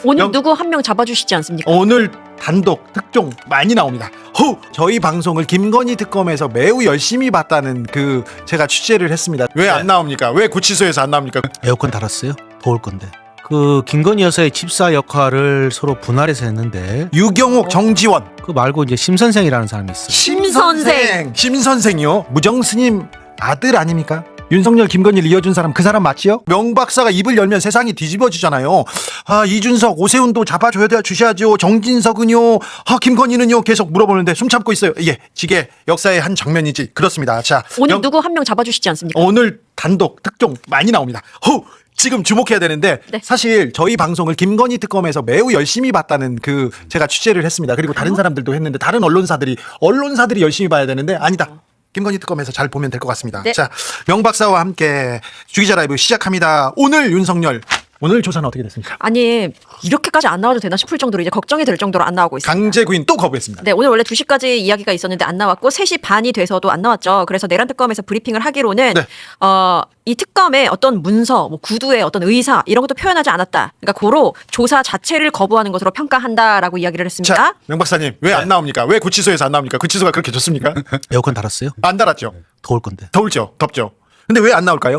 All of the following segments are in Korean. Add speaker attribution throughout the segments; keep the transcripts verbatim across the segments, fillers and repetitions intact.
Speaker 1: 오늘
Speaker 2: 명...
Speaker 1: 누구 한 명 잡아주시지 않습니까?
Speaker 2: 오늘 단독 특종 많이 나옵니다. 호! 저희 방송을 김건희 특검에서 매우 열심히 봤다는 그 제가 취재를 했습니다. 왜 안 나옵니까? 왜 구치소에서 안 나옵니까?
Speaker 3: 에어컨 달았어요? 더울 건데. 그 김건희 여사의 집사 역할을 서로 분할해서 했는데
Speaker 2: 유경옥, 정지원.
Speaker 3: 그 말고 이제 심 선생이라는 사람이 있어요.
Speaker 2: 심 선생. 심 선생이요? 무정 스님 아들 아닙니까? 윤석열, 김건희를 이어준 사람 그 사람 맞지요? 명 박사가 입을 열면 세상이 뒤집어지잖아요. 아, 이준석, 오세훈도 잡아줘야 돼 주셔야죠. 정진석은요, 아, 김건희는요, 계속 물어보는데 숨 참고 있어요. 예, 지게 역사의 한 장면이지. 그렇습니다. 자,
Speaker 1: 오늘
Speaker 2: 명...
Speaker 1: 누구 한 명 잡아주시지 않습니까?
Speaker 2: 오늘 단독 특종 많이 나옵니다. 호! 지금 주목해야 되는데
Speaker 1: 네.
Speaker 2: 사실 저희 방송을 김건희 특검에서 매우 열심히 봤다는 그 제가 취재를 했습니다. 그리고 다른 사람들도 했는데 다른 언론사들이 언론사들이 열심히 봐야 되는데 아니다. 김건희 특검에서 잘 보면 될 것 같습니다.
Speaker 1: 네.
Speaker 2: 자, 명 박사와 함께 주기자 라이브 시작합니다. 오늘 윤석열 오늘 조사는 어떻게 됐습니까?
Speaker 1: 아니 이렇게까지 안 나와도 되나 싶을 정도로 이제 걱정이 될 정도로 안 나오고 있습니다.
Speaker 2: 강제 구인 또 거부했습니다.
Speaker 1: 네, 오늘 원래 두 시까지 이야기가 있었는데 안 나왔고 세 시 반이 돼서도 안 나왔죠. 그래서 내란 특검에서 브리핑을 하기로는
Speaker 2: 네.
Speaker 1: 어, 이 특검에 어떤 문서, 뭐 구두의 어떤 의사 이런 것도 표현하지 않았다. 그러니까 고로 조사 자체를 거부하는 것으로 평가한다라고 이야기를 했습니다.
Speaker 2: 자, 명 박사님 왜 안 나옵니까? 왜 구치소에서 안 나옵니까? 구치소가 그렇게 좋습니까?
Speaker 3: 에어컨 달았어요?
Speaker 2: 안 달았죠.
Speaker 3: 더울 건데.
Speaker 2: 더울죠. 덥죠. 근데 왜 안 나올까요?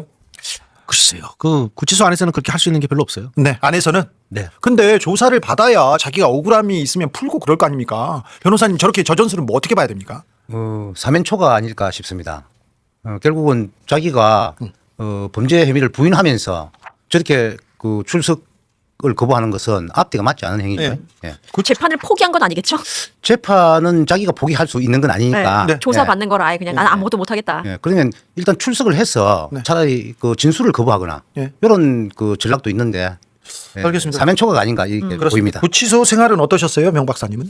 Speaker 3: 글쎄요. 그 구치소 안에서는 그렇게 할 수 있는 게 별로 없어요.
Speaker 2: 네, 안에서는.
Speaker 3: 네.
Speaker 2: 근데 조사를 받아야 자기가 억울함이 있으면 풀고 그럴 거 아닙니까? 변호사님 저렇게 저 전술은 뭐 어떻게 봐야 됩니까?
Speaker 4: 어, 사면초가 아닐까 싶습니다. 어, 결국은 자기가
Speaker 2: 음.
Speaker 4: 어, 범죄 혐의를 부인하면서 저렇게 그 출석을 거부하는 것은 앞뒤가 맞지 않은 행위죠.
Speaker 2: 네.
Speaker 4: 예.
Speaker 1: 그 재판을 포기한 건 아니겠죠?
Speaker 4: 재판은 자기가 포기할 수 있는 건 아니니까.
Speaker 1: 네.
Speaker 2: 네.
Speaker 1: 조사
Speaker 4: 예.
Speaker 1: 받는 걸 아예 그냥 난 아무것도 못하겠다.
Speaker 4: 예. 그러면 일단 출석을 해서
Speaker 2: 네.
Speaker 4: 차라리 그 진술을 거부하거나
Speaker 2: 예.
Speaker 4: 이런 그 전략도 있는데. 예.
Speaker 2: 알겠습니다.
Speaker 4: 사면초가 아닌가 이렇게
Speaker 2: 그렇습니다.
Speaker 4: 보입니다.
Speaker 2: 구치소 생활은 어떠셨어요, 명 박사님은?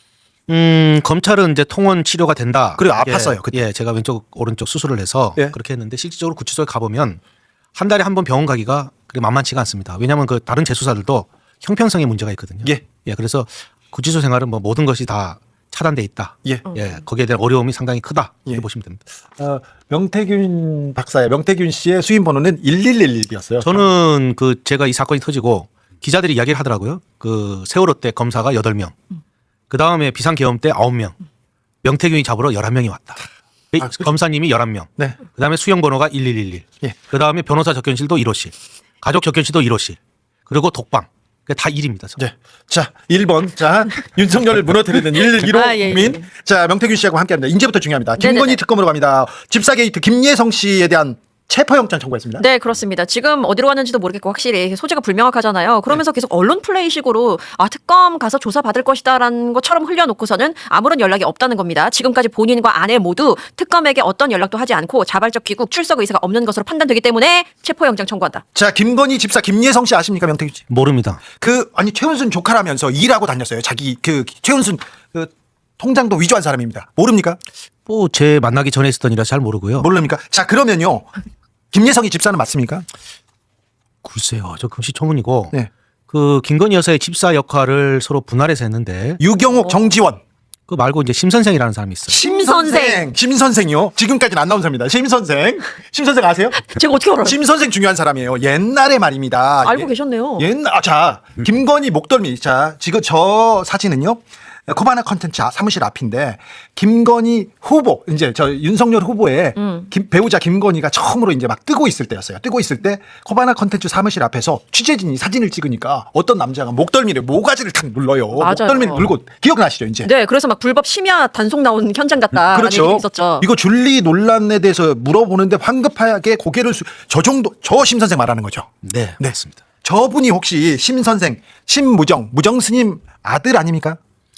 Speaker 3: 음, 검찰은 이제 통원 치료가 된다.
Speaker 2: 그래,
Speaker 3: 예,
Speaker 2: 아팠어요, 그때.
Speaker 3: 예, 제가 왼쪽 오른쪽 수술을 해서
Speaker 2: 예.
Speaker 3: 그렇게 했는데 실질적으로 구치소에 가보면 한 달에 한 번 병원 가기가 그렇게 만만치가 않습니다. 왜냐하면 그 다른 재수사들도 형평성에 문제가 있거든요.
Speaker 2: 예.
Speaker 3: 예, 그래서 구치소 생활은 뭐 모든 것이 다 차단돼 있다.
Speaker 2: 예.
Speaker 3: 예, 거기에 대한 어려움이 상당히 크다. 이렇게
Speaker 2: 예.
Speaker 3: 보시면 됩니다.
Speaker 2: 어, 명태균 박사의 명태균 씨의 수임 번호는 일일일일이었어요.
Speaker 3: 저는 그 제가 이 사건이 터지고 기자들이 이야기를 하더라고요. 그 세월호 때 검사가 여덟 명, 그 다음에 비상계엄 때 아홉 명, 명태균이 잡으러 열한 명이 왔다. 이
Speaker 2: 아,
Speaker 3: 검사님이 열한 명,
Speaker 2: 네.
Speaker 3: 그 다음에 수용번호가 일일일일,
Speaker 2: 예.
Speaker 3: 그 다음에 변호사 접견실도 일 호실, 가족 접견실도 일 호실, 그리고 독방. 그게 다 일입니다.
Speaker 2: 네. 자, 일 번. 자, 윤석열을 무너뜨리는 일일일호
Speaker 1: 아, 예, 예,
Speaker 2: 국민.
Speaker 1: 예.
Speaker 2: 자, 명태균 씨하고 함께 합니다. 이제부터 중요합니다. 김건희
Speaker 1: 네네네.
Speaker 2: 특검으로 갑니다. 집사 게이트 김예성 씨에 대한 체포영장 청구했습니다.
Speaker 1: 네, 그렇습니다. 지금 어디로 갔는지도 모르겠고 확실히 소재가 불명확하잖아요. 그러면서 계속 언론 플레이식으로 아 특검 가서 조사 받을 것이다라는 것처럼 흘려놓고서는 아무런 연락이 없다는 겁니다. 지금까지 본인과 아내 모두 특검에게 어떤 연락도 하지 않고 자발적 귀국 출석 의사가 없는 것으로 판단되기 때문에 체포영장 청구한다.
Speaker 2: 자, 김건희 집사 김예성 씨 아십니까, 명태균 씨?
Speaker 3: 모릅니다.
Speaker 2: 그 아니 최은순 조카라면서 일하고 다녔어요. 자기 그 최은순 그 통장도 위조한 사람입니다. 모릅니까?
Speaker 3: 뭐 제 만나기 전에 있었던 일이라 잘 모르고요.
Speaker 2: 모릅니까? 자, 그러면요. 김예성이 집사는 맞습니까?
Speaker 3: 글쎄요, 저 금시초문이고
Speaker 2: 네.
Speaker 3: 그 김건희 여사의 집사 역할을 서로 분할해서 했는데
Speaker 2: 유경옥, 정지원.
Speaker 3: 그 말고 이제 심 선생이라는 사람이 있어요.
Speaker 2: 심 선생. 심 선생이요. 지금까지는 안 나온 사람입니다. 심 선생. 심 선생 아세요?
Speaker 1: 제가 어떻게 알아요?
Speaker 2: 심 선생 중요한 사람이에요. 옛날에 말입니다.
Speaker 1: 알고
Speaker 2: 예-
Speaker 1: 계셨네요.
Speaker 2: 옛날 아, 자, 김건희 목덜미. 자, 지금 저 사진은요. 코바나 컨텐츠 사무실 앞인데 김건희 후보 이제 저 윤석열 후보의
Speaker 1: 음.
Speaker 2: 김- 배우자 김건희가 처음으로 이제 막 뜨고 있을 때였어요. 뜨고 있을 때 코바나 컨텐츠 사무실 앞에서 취재진이 사진을 찍으니까 어떤 남자가 목덜미를 모가지를 탁 눌러요.
Speaker 1: 맞아요.
Speaker 2: 목덜미를 눌고 기억나시죠, 이제?
Speaker 1: 네, 그래서 막 불법 심야 단속 나온 현장 같다.
Speaker 2: 그렇죠.
Speaker 1: 있었죠.
Speaker 2: 이거 줄리 논란에 대해서 물어보는데 황급하게 고개를 수, 저 정도 저 심 선생 말하는 거죠.
Speaker 3: 네,
Speaker 2: 네.
Speaker 3: 맞습니다.
Speaker 2: 저분이 혹시 심 선생, 심무정, 무정 스님 아들 아닙니까?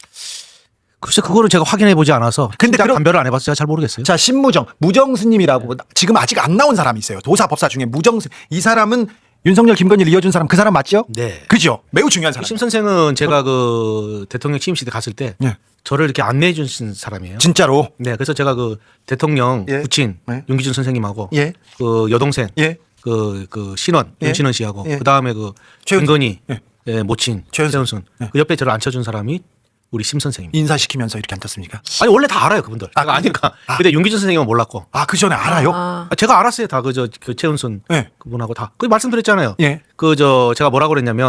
Speaker 3: 글쎄 그거를 제가 확인해 보지 않아서
Speaker 2: 근데
Speaker 3: 근데
Speaker 2: 그럼-
Speaker 3: 감별을 안 해봐서 제가 잘 모르겠어요.
Speaker 2: 자, 심무정, 무정 스님이라고 지금 아직 안 나온 사람이 있어요. 도사 법사 중에 무정 스님. 이 사람은 윤석열, 김건희를 이어준 사람 그 사람 맞죠?
Speaker 3: 네.
Speaker 2: 그죠? 매우 중요한 사람.
Speaker 3: 심 선생은 제가 그 대통령 취임식 때 갔을 때
Speaker 2: 네.
Speaker 3: 저를 이렇게 안내해 주신 사람이에요.
Speaker 2: 진짜로.
Speaker 3: 네, 그래서 제가 그 대통령
Speaker 2: 예.
Speaker 3: 부친
Speaker 2: 네.
Speaker 3: 윤기준 선생님하고
Speaker 2: 예.
Speaker 3: 그 여동생
Speaker 2: 예.
Speaker 3: 그, 그 신원
Speaker 2: 예.
Speaker 3: 윤신원 씨하고
Speaker 2: 예.
Speaker 3: 그 다음에 그
Speaker 2: 최은순.
Speaker 3: 김건희
Speaker 2: 예.
Speaker 3: 예, 모친
Speaker 2: 최은순.
Speaker 3: 최은순
Speaker 2: 예.
Speaker 3: 그 옆에 저를 앉혀준 사람이 우리 심 선생입니다.
Speaker 2: 인사시키면서 이렇게 앉았습니까?
Speaker 3: 아니 원래 다 알아요 그분들.
Speaker 2: 아,
Speaker 3: 제가 아니까.
Speaker 2: 아.
Speaker 3: 근데 윤기준 선생님은 몰랐고.
Speaker 2: 아, 그 전에 알아요?
Speaker 1: 아,
Speaker 3: 아, 제가 알았어요 다 그 저 그 최은순
Speaker 2: 예.
Speaker 3: 그분하고 다. 그 말씀드렸잖아요.
Speaker 2: 예.
Speaker 3: 그 저 제가 뭐라고 그랬냐면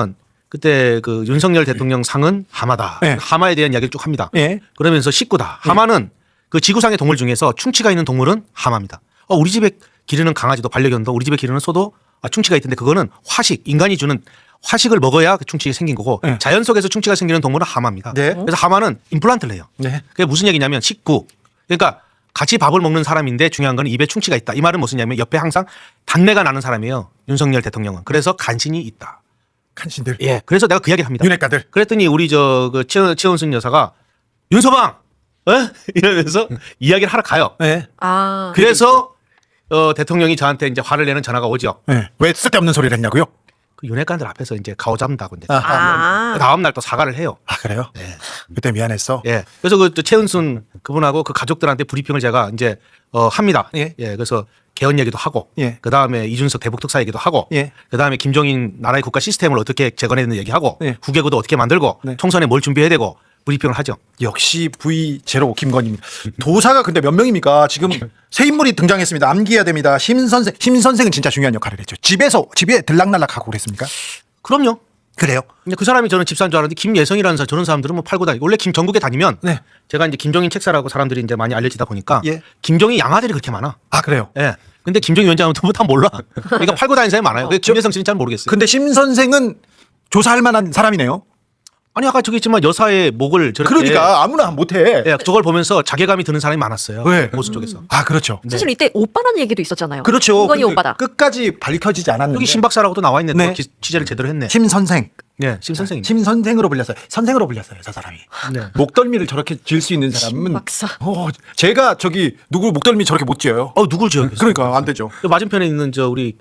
Speaker 3: 그때 그 윤석열 대통령 상은 하마다.
Speaker 2: 네.
Speaker 3: 하마에 대한 이야기를 쭉 합니다.
Speaker 2: 예.
Speaker 3: 그러면서 식구다. 하마는 그 지구상의 동물 중에서 충치가 있는 동물은 하마입니다. 어, 우리 집에 기르는 강아지도 반려견도 우리 집에 기르는 소도 아, 충치가 있던데 그거는 화식, 인간이 주는 화식을 먹어야 그 충치가 생긴 거고
Speaker 2: 네.
Speaker 3: 자연 속에서 충치가 생기는 동물은 하마입니다.
Speaker 2: 네.
Speaker 3: 그래서 하마는 임플란트를 해요.
Speaker 2: 네.
Speaker 3: 그게 무슨 얘기냐면 식구. 그러니까 같이 밥을 먹는 사람인데 중요한 건 입에 충치가 있다. 이 말은 무슨 얘기냐면 옆에 항상 단내가 나는 사람이에요. 윤석열 대통령은. 그래서 간신히 있다.
Speaker 2: 간신들.
Speaker 3: 예. 그래서 내가 그 이야기를 합니다.
Speaker 2: 윤핵가들.
Speaker 3: 그랬더니 우리 저그 최원순 여사가 윤서방 어? 이러면서 이야기를 하러 가요.
Speaker 2: 네.
Speaker 1: 아.
Speaker 3: 그래서 어, 대통령이 저한테 이제 화를 내는 전화가 오죠.
Speaker 2: 네. 왜 쓸데없는 소리를 했냐고요?
Speaker 3: 그 윤핵관들 앞에서 이제 가오 잡는다고 이제
Speaker 1: 아.
Speaker 3: 다음 날 또 사과를 해요.
Speaker 2: 아 그래요? 그때 미안했어.
Speaker 3: 예. 그래서 그 최은순 그분하고 그 가족들한테 브리핑을 제가 이제 어, 합니다.
Speaker 2: 예.
Speaker 3: 그래서 개헌 얘기도 하고,
Speaker 2: 예.
Speaker 3: 그 다음에 이준석 대북 특사 얘기도 하고,
Speaker 2: 예.
Speaker 3: 그 다음에 김종인 나라의 국가 시스템을 어떻게 재건해야 되는 얘기하고,
Speaker 2: 예.
Speaker 3: 국외구도 어떻게 만들고,
Speaker 2: 네.
Speaker 3: 총선에 뭘 준비해야 되고 브리핑을 하죠.
Speaker 2: 역시 브이 제로 김건희입니다. 도사가 근데 몇 명입니까? 지금 새 인물이 등장했습니다. 암기해야 됩니다. 심 선생, 심 선생은 진짜 중요한 역할을 했죠. 집에서 집에 들락날락하고 그랬습니까?
Speaker 3: 그럼요.
Speaker 2: 그래요?
Speaker 3: 근데 그 사람이 저는 집사인 줄 알았는데 김예성이라는 사람 저런 사람들은 뭐 팔고 다니고 원래 김 전국에 다니면
Speaker 2: 네.
Speaker 3: 제가 이제 김종인 책사라고 사람들이 이제 많이 알려지다 보니까
Speaker 2: 예.
Speaker 3: 김종인 양아들이 그렇게 많아.
Speaker 2: 아 그래요?
Speaker 3: 예. 근데 김종인 위원장은 전부 다 몰라. 그러니까 팔고 다니는 사람이 많아요. 근데 김예성 씨는 잘 모르겠어요.
Speaker 2: 근데 심 선생은 조사할 만한 사람이네요.
Speaker 3: 아니 아까 저기 있지만 여사의 목을 저렇게
Speaker 2: 그러니까 아무나 못해.
Speaker 3: 예, 저걸 보면서 자괴감이 드는 사람이 많았어요.
Speaker 2: 네.
Speaker 3: 보수 쪽에서.
Speaker 2: 아 그렇죠.
Speaker 1: 사실 이때 오빠라는 얘기도 있었잖아요.
Speaker 2: 그렇죠.
Speaker 1: 김건희
Speaker 2: 근데
Speaker 1: 오빠다.
Speaker 2: 끝까지 밝혀지지 않았는데.
Speaker 3: 여기 신 박사라고도 나와 있는데
Speaker 2: 네.
Speaker 3: 기- 취재를 제대로 했네.
Speaker 2: 심 선생.
Speaker 3: 네, 심 선생님.
Speaker 2: 심 선생으로 불렸어요. 선생으로 불렸어요. 저 사람이.
Speaker 3: 네.
Speaker 2: 목덜미를 저렇게 질 수 있는 사람은
Speaker 1: 박사.
Speaker 2: 어, 제가 저기 누구 목덜미 저렇게 못 지어요.
Speaker 3: 어 누굴 지어요?
Speaker 2: 그러니까 안 되죠.
Speaker 3: 그 맞은편에 있는 저 우리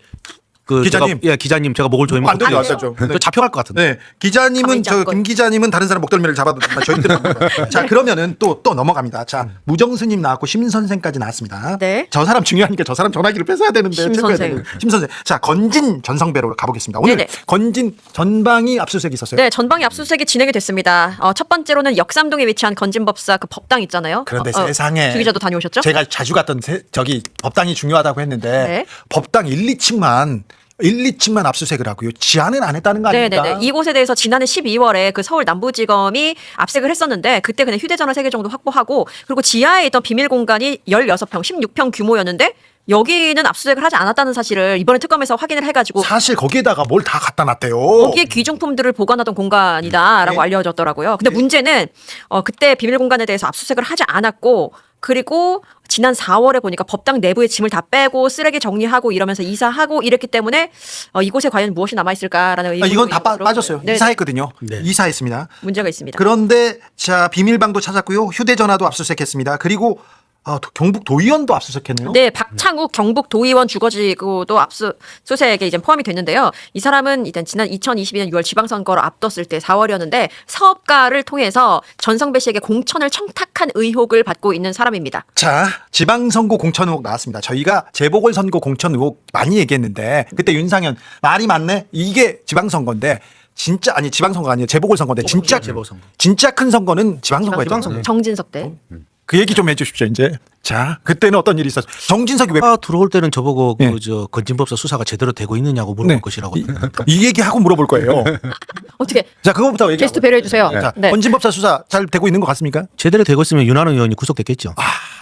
Speaker 3: 그
Speaker 2: 기자님.
Speaker 3: 제가, 예, 기자님 제가 목을 조이면
Speaker 2: 안 되죠, 안
Speaker 3: 어떡해요?
Speaker 2: 되죠.
Speaker 3: 그
Speaker 2: 네.
Speaker 3: 잡혀갈 것 같은데.
Speaker 2: 네, 기자님은
Speaker 1: 가만히
Speaker 2: 저
Speaker 1: 잡고.
Speaker 2: 김 기자님은 다른 사람 목덜미를 잡아도 저희들은 안 돼요. 자 그러면은 또 또 넘어갑니다. 자 무정스님 나왔고 심 선생까지 나왔습니다.
Speaker 1: 네.
Speaker 2: 저 사람 중요하니까 저 사람 전화기를 뺏어야 되는데
Speaker 1: 심
Speaker 2: 챙겨야
Speaker 1: 선생.
Speaker 2: 되는데. 심 선생. 자 건진 전성배로 가보겠습니다. 오늘
Speaker 1: 네네.
Speaker 2: 건진 전방위 압수수색 있었어요.
Speaker 1: 네, 전방위 압수수색이 진행이 됐습니다. 어, 첫 번째로는 역삼동에 위치한 건진법사 그 법당 있잖아요.
Speaker 2: 그런데
Speaker 1: 어, 어,
Speaker 2: 세상에
Speaker 1: 주 기자도 다녀오셨죠?
Speaker 2: 제가 자주 갔던 세- 저기 법당이 중요하다고 했는데
Speaker 1: 네.
Speaker 2: 법당 일, 이 층만 일, 이 층만 압수수색을 하고요. 지하는 안 했다는 거 아닙니까?
Speaker 1: 네네네. 이곳에 대해서 지난해 십이월에 그 서울 남부지검이 압색을 했었는데 그때 그냥 휴대전화 세 개 정도 확보하고 그리고 지하에 있던 비밀 공간이 열여섯 평, 십육 평 규모였는데 여기는 압수수색을 하지 않았다는 사실을 이번에 특검에서 확인을 해가지고
Speaker 2: 사실 거기에다가 뭘 다 갖다 놨대요.
Speaker 1: 거기에 귀중품들을 보관하던 공간이다라고
Speaker 2: 네.
Speaker 1: 알려졌더라고요. 근데 문제는 어, 그때 비밀 공간에 대해서 압수수색을 하지 않았고 그리고 지난 사월에 보니까 법당 내부의 짐을 다 빼고 쓰레기 정리하고 이러면서 이사하고 이랬기 때문에 어, 이곳에 과연 무엇이 남아 있을까라는
Speaker 2: 아,
Speaker 1: 의혹.
Speaker 2: 이건 다 빠, 빠졌어요.
Speaker 1: 네,
Speaker 2: 이사했거든요.
Speaker 3: 네.
Speaker 2: 이사했습니다.
Speaker 1: 문제가 있습니다.
Speaker 2: 그런데 자 비밀방도 찾았고요. 휴대전화도 압수수색했습니다. 그리고 어, 도- 경북 도의원도 압수수색했네요.
Speaker 1: 네, 박창욱 경북 도의원 주거지구도 압수수색에 이제 포함이 됐는데요. 이 사람은 일단 지난 이천이십이 년 유월 지방선거를 앞뒀을 때 사월이었는데 사업가를 통해서 전성배 씨에게 공천을 청탁한 의혹을 받고 있는 사람입니다.
Speaker 2: 자, 지방선거 공천 의혹 나왔습니다. 저희가 재보궐선거 공천 의혹 많이 얘기했는데 그때 윤상현 말이 많네. 이게 지방선거인데 진짜 아니 지방선거 아니에요. 재보궐선거인데 진짜
Speaker 3: 재보궐선거.
Speaker 2: 진짜 큰 선거는 지방선거였죠.
Speaker 3: 지방선거.
Speaker 1: 정진석 때.
Speaker 2: 그 얘기 좀 해주십시오. 이제 자, 그때는 어떤 일이 있었어요? 정진석이 왜
Speaker 3: 아, 들어올 때는 저보고
Speaker 2: 네.
Speaker 3: 그 저 건진법사 수사가 제대로 되고 있느냐고 물어볼
Speaker 2: 네.
Speaker 3: 것이라고.
Speaker 2: 이, 이 얘기 하고 물어볼 거예요.
Speaker 1: 어떻게
Speaker 2: 자, 그거부터 얘기.
Speaker 1: 게스트 배려해 주세요.
Speaker 2: 자,
Speaker 1: 네.
Speaker 2: 건진법사 수사 잘 되고 있는 것 같습니까?
Speaker 3: 제대로 되고 있으면 윤한홍 의원이 구속됐겠죠.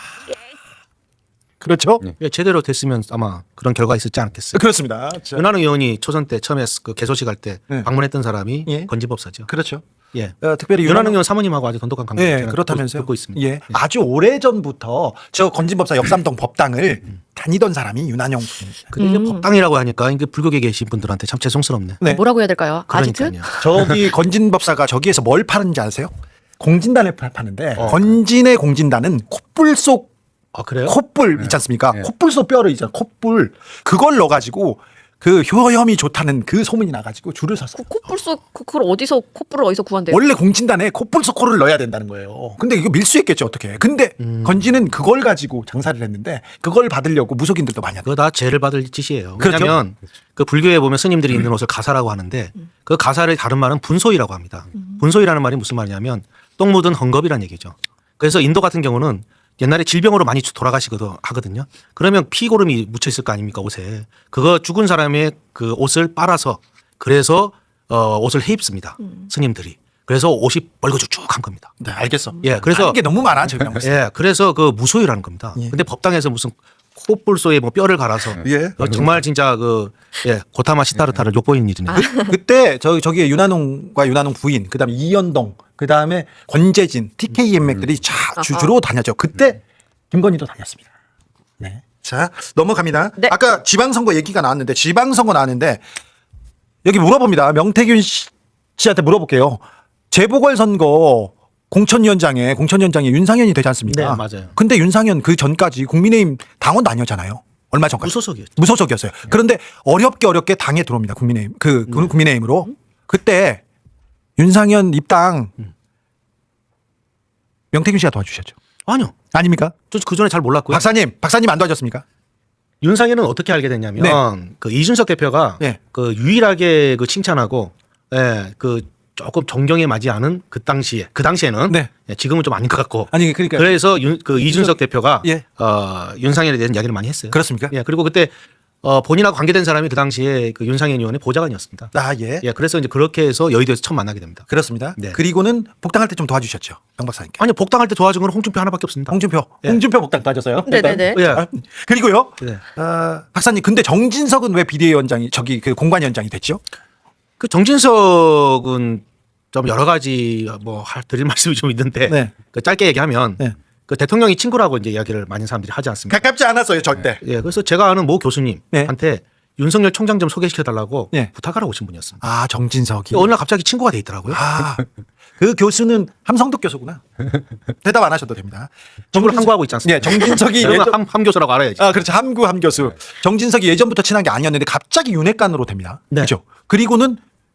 Speaker 2: 그렇죠?
Speaker 3: 예, 제대로 됐으면 아마 그런 결과가 있었지 않겠어요.
Speaker 2: 그렇습니다. 자,
Speaker 3: 윤한홍 의원이 초선 때 처음에 그 개소식 할 때
Speaker 2: 네.
Speaker 3: 방문했던 사람이
Speaker 2: 예.
Speaker 3: 건진법사죠.
Speaker 2: 그렇죠.
Speaker 3: 예.
Speaker 2: 어, 특별히
Speaker 3: 윤한홍 의원 사모님하고 아주 돈독한 관계.
Speaker 2: 예, 그렇다면서요.
Speaker 3: 듣고 있습니다.
Speaker 2: 예, 아주 오래 전부터 저 건진법사 역삼동 법당을 다니던 사람이 윤한용.
Speaker 3: 근데 이제 법당이라고 하니까 이게 불교계 계신 분들한테 참 죄송스럽네.
Speaker 2: 네.
Speaker 1: 뭐라고 해야 될까요? 아지트?
Speaker 3: 그러니까요.
Speaker 2: 저기 건진법사가 저기에서 뭘 파는지 아세요? 공진단을 파- 파는데
Speaker 3: 어.
Speaker 2: 건진의 공진단은 콧불 속
Speaker 3: 아 그래요?
Speaker 2: 콧불 있지 않습니까?
Speaker 4: 네.
Speaker 2: 콧불 속 뼈를 있잖아. 콧불 그걸 넣어가지고 그 효염이 좋다는 그 소문이 나가지고 줄을 섰어.
Speaker 1: 콧불 속 그- 그걸 어디서 콧불을 어디서 구한대요?
Speaker 2: 원래 공진단에 콧불 속 코를 넣어야 된다는 거예요. 근데 이거 밀수했겠죠 어떻게? 근데
Speaker 3: 음.
Speaker 2: 건진은 그걸 가지고 장사를 했는데 그걸 받으려고 무속인들도 많이 하고.
Speaker 3: 그거 다 죄를 받을 짓이에요.
Speaker 2: 그렇죠.
Speaker 3: 왜냐하면 그 불교에 보면 스님들이 입는 옷을 가사라고 하는데 그 가사를 다른 말은 분소이라고 합니다. 분소이라는 말이 무슨 말이냐면 똥 묻은 헝겊이라는 얘기죠. 그래서 인도 같은 경우는 옛날에 질병으로 많이 돌아가시거든 하거든요. 그러면 피고름이 묻혀 있을 거 아닙니까 옷에. 그거 죽은 사람의 그 옷을 빨아서 그래서 어, 옷을 해입습니다. 스님들이. 그래서 옷이 벌거죽죽한 겁니다.
Speaker 2: 네, 알겠어.
Speaker 3: 예, 그래서
Speaker 2: 이게 너무 많아 지금.
Speaker 3: 예, 그래서 그 무소유라는 겁니다.
Speaker 2: 예.
Speaker 3: 근데 법당에서 무슨 코뿔소에 뭐 뼈를 갈아서
Speaker 2: 예.
Speaker 3: 어, 정말 진짜 그 예, 고타마 시타르타를 욕보이는 일이네요.
Speaker 2: 그때 저 저기 윤한홍과 윤한홍 부인, 그다음에 이연동, 그다음에 권재진, 티케이엠맥들이 자 주- 주로 다녔죠. 그때 김건희도 다녔습니다. 네. 자 넘어갑니다.
Speaker 1: 네.
Speaker 2: 아까 지방선거 얘기가 나왔는데 지방선거 나왔는데 여기 물어봅니다. 명태균 씨- 씨한테 물어볼게요. 재보궐선거 공천위원장에 공천위원장이 윤상현이 되지 않습니까?
Speaker 3: 네, 맞아요.
Speaker 2: 근데 윤상현 그 전까지 국민의힘 당원도 아니었잖아요. 얼마 전까지.
Speaker 3: 무소속이었죠.
Speaker 2: 무소속이었어요. 그런데 어렵게 어렵게 당에 들어옵니다. 국민의힘 그 그
Speaker 3: 네.
Speaker 2: 국민의힘으로 그때 윤상현 입당 명태균 씨가 도와주셨죠.
Speaker 3: 아니요.
Speaker 2: 아닙니까?
Speaker 3: 저 그 전에 잘 몰랐고요.
Speaker 2: 박사님, 박사님 안 도와줬습니까?
Speaker 3: 윤상현은 어떻게 알게 됐냐면
Speaker 2: 네.
Speaker 3: 그 이준석 대표가
Speaker 2: 네.
Speaker 3: 그 유일하게 그 칭찬하고 예, 그 조금 존경에 맞지 않은 그 당시에 그 당시에는
Speaker 2: 네.
Speaker 3: 예, 지금은 좀 아닌 것 같고
Speaker 2: 아니 그러니까
Speaker 3: 그래서 윤, 그 이준석 대표가
Speaker 2: 예.
Speaker 3: 어, 윤상현에 대한 이야기를 많이 했어요.
Speaker 2: 그렇습니까?
Speaker 3: 예, 그리고 그때 어, 본인하고 관계된 사람이 그 당시에 그 윤상현 의원의 보좌관이었습니다.
Speaker 2: 아 예.
Speaker 3: 예, 그래서 이제 그렇게 해서 여의도에서 처음 만나게 됩니다.
Speaker 2: 그렇습니다.
Speaker 3: 네.
Speaker 2: 그리고는 복당할 때 좀 도와주셨죠. 정 박사님께.
Speaker 3: 아니 복당할 때 도와준 건 홍준표 하나밖에 없습니다.
Speaker 2: 홍준표,
Speaker 3: 예.
Speaker 2: 홍준표 복당 도와줬어요.
Speaker 1: 네네네.
Speaker 3: 예.
Speaker 2: 아, 그리고요.
Speaker 3: 네.
Speaker 2: 어, 박사님, 근데 정진석은 왜 비대위원장이 저기 그 공관위원장이 됐죠?
Speaker 3: 그 정진석은 좀 여러 가지 뭐 할 드릴 말씀이 좀 있는데
Speaker 2: 네.
Speaker 3: 그 짧게 얘기하면
Speaker 2: 네.
Speaker 3: 그 대통령이 친구라고 이제 이야기를 많은 사람들이 하지 않습니까?
Speaker 2: 가깝지 않았어요, 절대.
Speaker 3: 예, 그래서 제가 아는 모 교수님한테
Speaker 2: 네.
Speaker 3: 윤석열 총장 좀 소개시켜 달라고
Speaker 2: 네.
Speaker 3: 부탁하러 오신 분이었습니다.
Speaker 2: 아, 정진석이.
Speaker 3: 어느 날 갑자기 친구가 돼 있더라고요.
Speaker 2: 아, 그 교수는 함성덕 교수구나. 대답 안 하셔도 됩니다.
Speaker 3: 친구를 항구하고 있지 않습니까?
Speaker 2: 네, 정진석이
Speaker 3: 그러면
Speaker 2: 예전-
Speaker 3: 함, 함 교수라고 알아야지.
Speaker 2: 아, 그렇죠. 함구 함 교수. 정진석이 예전부터 친한 게 아니었는데 갑자기 윤핵관으로 됩니다.
Speaker 3: 네.
Speaker 2: 그렇죠. 그리고는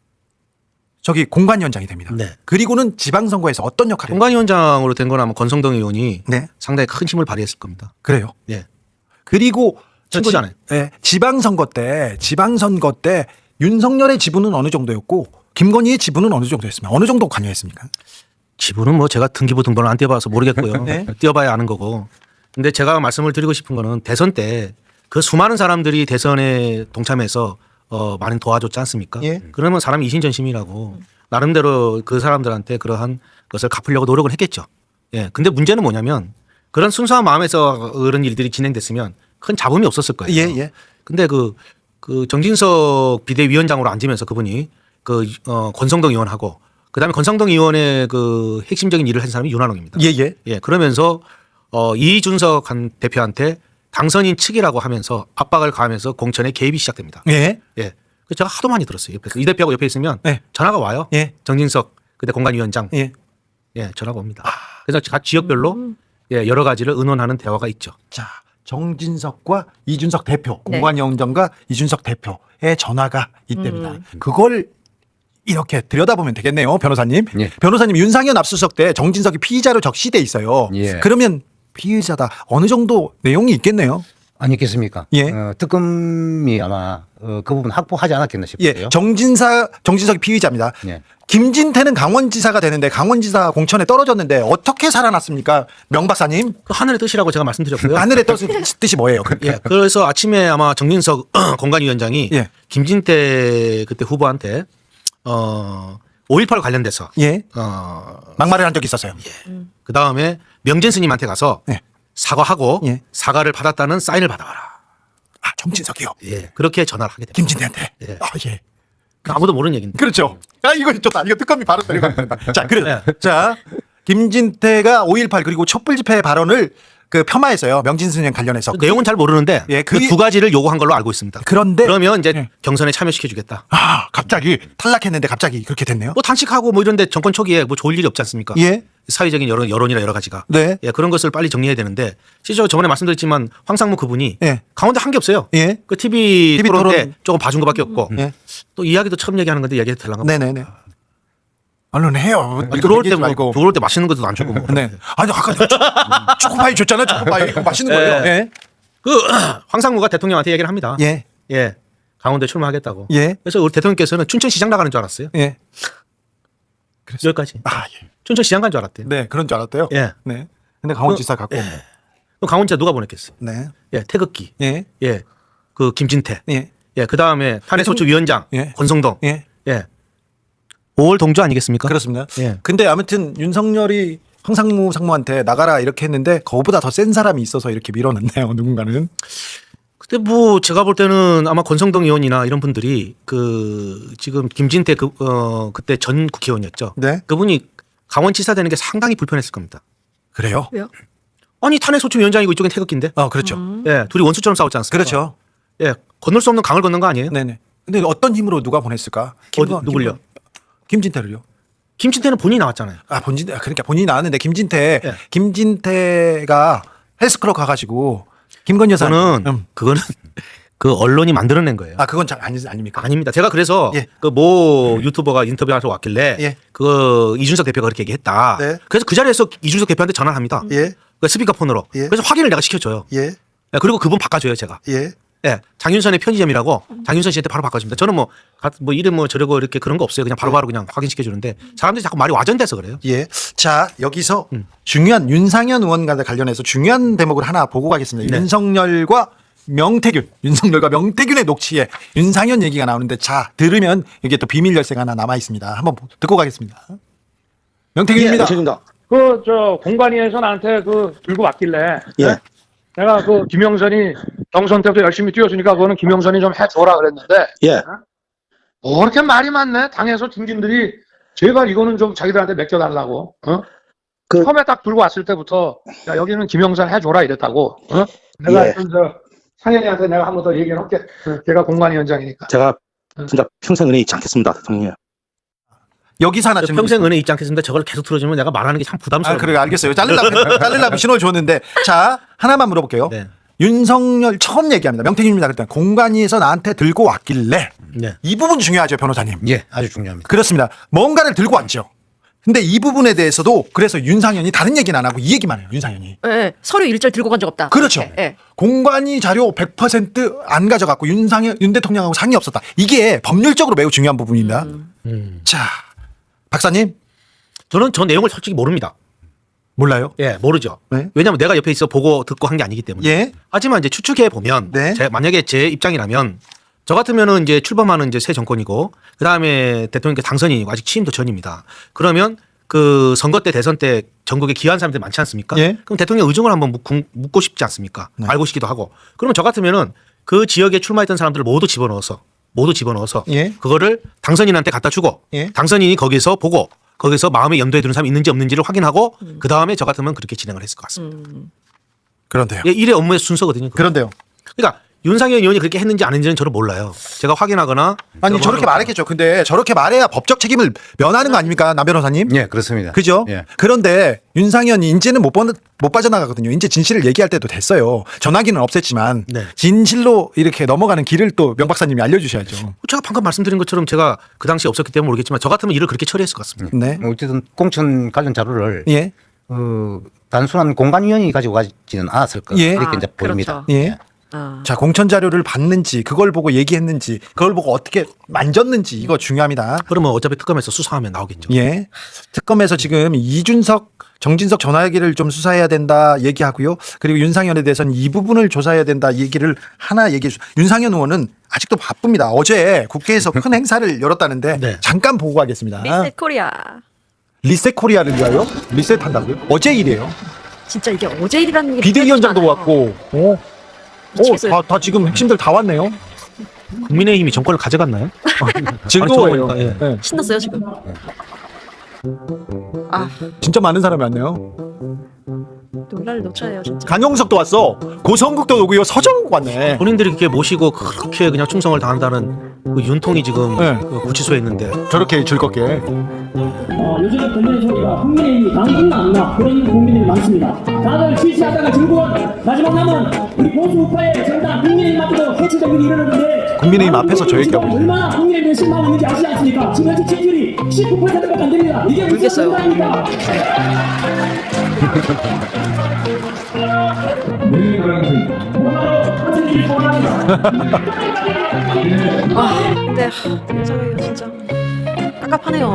Speaker 2: 저기 공관위원장이 됩니다.
Speaker 3: 네.
Speaker 2: 그리고는 지방선거에서 어떤 역할을 해요?
Speaker 3: 공관위원장으로 된 건 아마 권성동 의원이
Speaker 2: 네.
Speaker 3: 상당히 큰 힘을 발휘했을 겁니다.
Speaker 2: 그래요.
Speaker 3: 예.
Speaker 2: 그리고 저
Speaker 3: 친구잖아요.
Speaker 2: 지, 네, 지방선거 때 지방선거 때 윤석열의 지분은 어느 정도였고 김건희의 지분은 어느 정도였습니까? 어느 정도 관여했습니까?
Speaker 3: 지분은 뭐 제가 등기부 등본을 안 띄어봐서 모르겠고요.
Speaker 2: 네.
Speaker 3: 띄어봐야 아는 거고. 근데 제가 말씀을 드리고 싶은 거는 대선 때 그 수많은 사람들이 대선에 동참해서 어, 많이 도와줬지 않습니까?
Speaker 2: 예.
Speaker 3: 그러면 사람이 이신전심이라고 나름대로 그 사람들한테 그러한 것을 갚으려고 노력을 했겠죠. 예. 근데 문제는 뭐냐면 그런 순수한 마음에서 그런 일들이 진행됐으면 큰 잡음이 없었을 거예요.
Speaker 2: 예, 예.
Speaker 3: 근데 그, 그 정진석 비대위원장으로 앉으면서 그분이 그, 어, 권성동 의원하고 그 다음에 권성동 의원의 그 핵심적인 일을 한 사람이 윤한홍입니다.
Speaker 2: 예, 예.
Speaker 3: 예, 그러면서 어, 이준석 한 대표한테 당선인 측이라고 하면서 압박을 가하면서 공천에 개입이 시작됩니다.
Speaker 2: 예.
Speaker 3: 예. 그 제가 하도 많이 들었어요. 옆에서. 이 대표하고 옆에 있으면
Speaker 2: 네.
Speaker 3: 전화가 와요.
Speaker 2: 예.
Speaker 3: 정진석 그때 공관위원장.
Speaker 2: 예.
Speaker 3: 예, 전화가 옵니다. 그래서 각 지역별로 예, 여러 가지를 의논하는 대화가 있죠.
Speaker 2: 자, 정진석과 이준석 대표,
Speaker 1: 네.
Speaker 2: 공관위원장과 이준석 대표의 전화가 이때입니다.
Speaker 1: 음.
Speaker 2: 그걸 이렇게 들여다보면 되겠네요, 변호사님.
Speaker 4: 예.
Speaker 2: 변호사님, 윤상현 압수수색 때 정진석이 피의자로 적시돼 있어요.
Speaker 4: 예.
Speaker 2: 그러면 피의자다 어느 정도 내용이 있겠네요.
Speaker 4: 아니겠습니까?
Speaker 2: 예.
Speaker 4: 어, 특검이 아마 어, 그 부분 확보하지 않았겠나 싶어요.
Speaker 2: 예, 정진사 정진석이 피의자입니다.
Speaker 4: 예.
Speaker 2: 김진태는 강원지사가 되는데 강원지사 공천에 떨어졌는데 어떻게 살아났습니까, 명 박사님?
Speaker 3: 그 하늘의 뜻이라고 제가 말씀드렸고요.
Speaker 2: 하늘의 뜻, 뜻이 뭐예요?
Speaker 3: 예, 그래서 아침에 아마 정진석 공관위원장이
Speaker 2: 예.
Speaker 3: 김진태 그때 후보한테 어 오일팔 관련돼서
Speaker 2: 예,
Speaker 3: 어
Speaker 2: 막말을 한 적이 있었어요.
Speaker 3: 그 다음에 명진 스님한테 가서
Speaker 2: 예.
Speaker 3: 사과하고
Speaker 2: 예.
Speaker 3: 사과를 받았다는 사인을 받아와라.
Speaker 2: 아, 정진석이요.
Speaker 3: 예, 그렇게 전화를 하게 됩니다.
Speaker 2: 김진태한테.
Speaker 3: 예.
Speaker 2: 아, 예.
Speaker 3: 아무도 모르는 얘기인데.
Speaker 2: 그렇죠. 아, 이거 좋다. 이거 특검이 바로 내려갑니다. 자, 그래.
Speaker 3: 네.
Speaker 2: 자, 김진태가 오일팔 그리고 촛불 집회 발언을 그 폄하했어요. 명진 스님 관련해서.
Speaker 3: 그 내용은 잘 모르는데
Speaker 2: 예,
Speaker 3: 그
Speaker 2: 그게-
Speaker 3: 두 가지를 요구한 걸로 알고 있습니다.
Speaker 2: 그런데
Speaker 3: 그러면 이제
Speaker 2: 예.
Speaker 3: 경선에 참여시켜주겠다.
Speaker 2: 아, 갑자기 탈락했는데 갑자기 그렇게 됐네요.
Speaker 3: 뭐 단식하고 뭐 이런데 정권 초기에 뭐 좋을 일이 없지 않습니까?
Speaker 2: 예.
Speaker 3: 사회적인 여론, 여론이나 여러 가지가.
Speaker 2: 네.
Speaker 3: 예, 그런 것을 빨리 정리해야 되는데 실제로 저번에 말씀드렸지만 황상무 그분이
Speaker 2: 예.
Speaker 3: 강원도 한 게 없어요.
Speaker 2: 예.
Speaker 3: 그 티비,
Speaker 2: 티비
Speaker 3: 토론 때
Speaker 2: 토론.
Speaker 3: 조금 봐준 것밖에 없고
Speaker 2: 예.
Speaker 3: 또 이야기도 처음 얘기하는 건데 이야기해도 되려나?
Speaker 2: 네네네. 얼른 해요.
Speaker 3: 아니, 들어올 때
Speaker 2: 얘기하지
Speaker 3: 뭐,
Speaker 2: 말고.
Speaker 3: 들어올 때 맛있는 것도 안 주고 뭐.
Speaker 2: 네. 아니, 아까 초- 초코파이 줬잖아요. 초코파이. 이거 맛있는 거예요.
Speaker 3: 예.
Speaker 2: 예.
Speaker 3: 그 황상무가 대통령한테 얘기를 합니다.
Speaker 2: 예.
Speaker 3: 예. 강원도에 출마하겠다고.
Speaker 2: 예.
Speaker 3: 그래서 우리 대통령께서는 춘천시장 나가는 줄 알았어요.
Speaker 2: 예.
Speaker 3: 여기까지.
Speaker 2: 아, 예.
Speaker 3: 춘천시장 간 줄 알았대요.
Speaker 2: 네, 그런 줄 알았대요.
Speaker 3: 예.
Speaker 2: 네. 근데 강원지사 갖고.
Speaker 3: 예. 그럼 강원지사 누가 보냈겠어요?
Speaker 2: 네.
Speaker 3: 예, 태극기.
Speaker 2: 예.
Speaker 3: 예. 그 김진태.
Speaker 2: 예.
Speaker 3: 예. 그 다음에 탄핵소추위원장
Speaker 2: 예.
Speaker 3: 권성동.
Speaker 2: 예.
Speaker 3: 예. 오월 동조 아니겠습니까?
Speaker 2: 그렇습니다.
Speaker 3: 예.
Speaker 2: 근데 아무튼 윤석열이 황상무 상무한테 나가라 이렇게 했는데 그거보다 더 센 사람이 있어서 이렇게 밀어넣네요. 누군가는.
Speaker 3: 근데 뭐 제가 볼 때는 아마 권성동 의원이나 이런 분들이 그 지금 김진태 그 어 그때 전 국회의원이었죠.
Speaker 2: 네.
Speaker 3: 그분이 강원지사 되는 게 상당히 불편했을 겁니다.
Speaker 2: 그래요?
Speaker 1: 왜요?
Speaker 3: 아니 탄핵소추위원장이고 이쪽엔 태극기인데.
Speaker 2: 어, 그렇죠.
Speaker 3: 예, 둘이 원수처럼 싸웠지 않습니까?
Speaker 2: 그렇죠.
Speaker 3: 예, 건널 수 없는 강을 건넌 거 아니에요?
Speaker 2: 네네. 근데 어떤 힘으로 누가 보냈을까?
Speaker 3: 어디, 누굴요?
Speaker 2: 김건- 김진태를요.
Speaker 3: 김진태는 본인이 나왔잖아요.
Speaker 2: 아 본진 그러니까 본인이 나왔는데 김진태
Speaker 3: 예.
Speaker 2: 김진태가 헬스클럽 가가지고 김건 여사.
Speaker 3: 그거는
Speaker 2: 음.
Speaker 3: 그거는 그 언론이 만들어낸 거예요.
Speaker 2: 아 그건 잘 아니 아닙니까?
Speaker 3: 아닙니다. 제가 그래서
Speaker 2: 예.
Speaker 3: 그 모 유튜버가 인터뷰하러 왔길래
Speaker 2: 예.
Speaker 3: 그 이준석 대표가 그렇게 얘기했다.
Speaker 2: 네.
Speaker 3: 그래서 그 자리에서 이준석 대표한테 전화를 합니다.
Speaker 2: 예.
Speaker 3: 그 스피커폰으로.
Speaker 2: 예.
Speaker 3: 그래서 확인을 내가 시켜줘요.
Speaker 2: 예.
Speaker 3: 예, 그리고 그분 바꿔줘요 제가.
Speaker 2: 예.
Speaker 3: 예, 장윤선의 편의점이라고 장윤선 씨한테 바로 바꿔줍니다. 저는 뭐, 가- 뭐 이름 뭐 저러고 이렇게 그런 거 없어요. 그냥 바로바로 그냥 확인시켜주는데 사람들이 자꾸 말이 와전돼서 그래요.
Speaker 2: 예. 자, 여기서
Speaker 3: 음.
Speaker 2: 중요한 윤상현 의원과 관련해서 중요한 대목을 하나 보고 가겠습니다.
Speaker 3: 네.
Speaker 2: 윤석열과 명태균, 윤석열과 명태균의 녹취에 윤상현 얘기가 나오는데 자, 들으면 여기에 또 비밀 열쇠가 하나 남아 있습니다. 한번 보- 듣고 가겠습니다. 명태균입니다.
Speaker 5: 예,
Speaker 6: 그 저 공관위에서 나한테 그 들고 왔길래
Speaker 5: 예.
Speaker 6: 내가 그 김영선이 경선 때부터 열심히 뛰어주니까 그거는 김영선이 좀 해줘라 그랬는데
Speaker 5: 예.
Speaker 6: 뭐 그렇게 말이 많네. 당에서 중진들이 제발 이거는 좀 자기들한테 맡겨달라고. 어?
Speaker 5: 그-
Speaker 6: 처음에 딱 들고 왔을 때부터 야 여기는 김영선 해줘라 이랬다고. 어? 내가
Speaker 5: 예.
Speaker 6: 하여튼 저 상현이한테 내가 한 번 더 얘기를 할게. 어, 걔가 공관위원장이니까.
Speaker 5: 제가 진짜 평생 은혜 잊지 않겠습니다, 대통령.
Speaker 2: 여기서 하나
Speaker 3: 저
Speaker 2: 좀
Speaker 3: 평생 은혜 잊지 않겠습니다. 저걸 계속 들어주면 내가 말하는 게 참
Speaker 2: 아,
Speaker 3: 부담스러워요.
Speaker 2: 그래 알겠어요. 자르려면 자르려면 신호를 줬는데 자, 하나만 물어볼게요.
Speaker 3: 네.
Speaker 2: 윤석열 처음 얘기합니다. 명태균입니다. 그랬더니 공관위에서 나한테 들고 왔길래
Speaker 3: 네.
Speaker 2: 이 부분 중요하죠, 변호사님.
Speaker 4: 예, 아주 중요합니다.
Speaker 2: 그렇습니다. 뭔가를 들고 왔죠. 근데 이 부분에 대해서도 그래서 윤상현이 다른 얘기는 안 하고 이 얘기만 해요. 윤상현이.
Speaker 1: 예, 예. 서류 일절 들고 간 적 없다.
Speaker 2: 그렇죠.
Speaker 1: 이렇게, 예.
Speaker 2: 공관위 자료 백 퍼센트 안 가져갔고 윤상현 윤 대통령하고 상의 없었다. 이게 법률적으로 매우 중요한 부분입니다.
Speaker 3: 음.
Speaker 2: 자, 박사님
Speaker 3: 저는 저 내용을 솔직히 모릅니다.
Speaker 2: 몰라요?
Speaker 3: 예, 모르죠.
Speaker 2: 네.
Speaker 3: 왜냐하면 내가 옆에 있어 보고 듣고 한 게 아니기 때문에.
Speaker 2: 예.
Speaker 3: 하지만 이제 추측해 보면,
Speaker 2: 네.
Speaker 3: 제, 만약에 제 입장이라면 저 같으면은 이제 출범하는 이제 새 정권이고, 그 다음에 대통령께 당선인이고 아직 취임도 전입니다. 그러면 그 선거 때 대선 때 전국에 기여한 사람들 많지 않습니까?
Speaker 2: 예.
Speaker 3: 그럼 대통령 의중을 한번 묻고, 묻고 싶지 않습니까?
Speaker 2: 네.
Speaker 3: 알고 싶기도 하고. 그러면 저 같으면은 그 지역에 출마했던 사람들을 모두 집어넣어서 모두 집어넣어서
Speaker 2: 예.
Speaker 3: 그거를 당선인한테 갖다 주고
Speaker 2: 예.
Speaker 3: 당선인이 거기서 보고 거기서 마음에 염두에 두는 사람이 있는지 없는지를 확인하고 그 다음에 저 같으면 그렇게 진행을 했을 것 같습니다.
Speaker 2: 그런데요.
Speaker 3: 예, 일의 업무의 순서거든요. 그거.
Speaker 2: 그런데요.
Speaker 3: 그러니까 윤상현 의원이 그렇게 했는지 안 했는지는 저는 몰라요. 제가 확인하거나
Speaker 2: 아니
Speaker 3: 제가
Speaker 2: 저렇게
Speaker 3: 뭐
Speaker 2: 말했겠죠. 근데 저렇게 말해야 법적 책임을 면하는 거 아닙니까, 남 변호사님?
Speaker 4: 예, 그렇습니다.
Speaker 2: 그죠?
Speaker 4: 예.
Speaker 2: 그런데 윤상현이 이제는 못, 번, 못 빠져나가거든요. 이제 진실을 얘기할 때도 됐어요. 전화기는 없앴지만
Speaker 3: 네.
Speaker 2: 진실로 이렇게 넘어가는 길을 또 명 박사님이 알려주셔야죠.
Speaker 3: 제가 방금 말씀드린 것처럼 제가 그 당시 없었기 때문에 모르겠지만 저 같으면 일을 그렇게 처리했을 것 같습니다.
Speaker 2: 네.
Speaker 4: 뭐 어쨌든 공천 관련 자료를
Speaker 2: 예.
Speaker 4: 어, 단순한 공관위원이 가지고 가지는 않았을 거
Speaker 2: 예.
Speaker 4: 이렇게
Speaker 1: 아,
Speaker 4: 이제 보입니다.
Speaker 1: 그렇죠.
Speaker 2: 예.
Speaker 1: 아.
Speaker 2: 자, 공천 자료를 봤는지, 그걸 보고 얘기했는지, 그걸 보고 어떻게 만졌는지, 이거 중요합니다.
Speaker 3: 그러면 어차피 특검에서 수사하면 나오겠죠.
Speaker 2: 예. 특검에서 지금 이준석, 정진석 전화기를 좀 수사해야 된다 얘기하고요. 그리고 윤상현에 대해서는 이 부분을 조사해야 된다 얘기를 하나 얘기해 주. 윤상현 의원은 아직도 바쁩니다. 어제 국회에서 큰 행사를 열었다는데
Speaker 3: 네.
Speaker 2: 잠깐 보고 가겠습니다.
Speaker 1: 리셋 코리아.
Speaker 2: 리셋 코리아를 위하여 리셋 한다고요? 어제 일이에요.
Speaker 1: 진짜 이게 어제 일이라는 게
Speaker 2: 비대위원장도
Speaker 1: 믿겨지지도 않아요.
Speaker 2: 왔고, 어,
Speaker 1: 미치겠어요.
Speaker 2: 어, 다, 다 지금 핵심들 다 왔네요.
Speaker 3: 국민의힘이 정권을 가져갔나요?
Speaker 2: 즐거워요.
Speaker 3: 아니, 저- 예.
Speaker 2: 네.
Speaker 1: 신났어요 지금. 아
Speaker 2: 진짜 많은 사람이 왔네요.
Speaker 1: 놀랄 노차예요 진짜.
Speaker 2: 강용석도 왔어. 고성국도 오고요. 서정국 왔네.
Speaker 3: 본인들이 그렇게 모시고 그렇게 그냥 충성을 다한다는 그 윤통이 지금
Speaker 2: 네.
Speaker 3: 그 구치소에 있는데
Speaker 2: 저렇게 즐겁게.
Speaker 7: 어, 요즘 국민의 소리가 국민의힘이 당분간 안 나. 그런 국민들이 많습니다. 다들 지지하다가 즐거운 마지막 남은 우리 보수 우파의 정당 국민의힘 앞에도 해체적인 일이 일어났는데
Speaker 2: 국민의힘 앞에서 저 얘기하고 있어요.
Speaker 7: 얼마나 국민의힘에 실망하고 있는지 아시지 않습니까? 지금 현재 지지율이 십구 퍼센트밖에 안 됩니다. 이게 무슨
Speaker 1: 울겠어요.
Speaker 7: 정당입니까?
Speaker 1: 아 근데 하, 윤석열이가 진짜 깝깝하네요.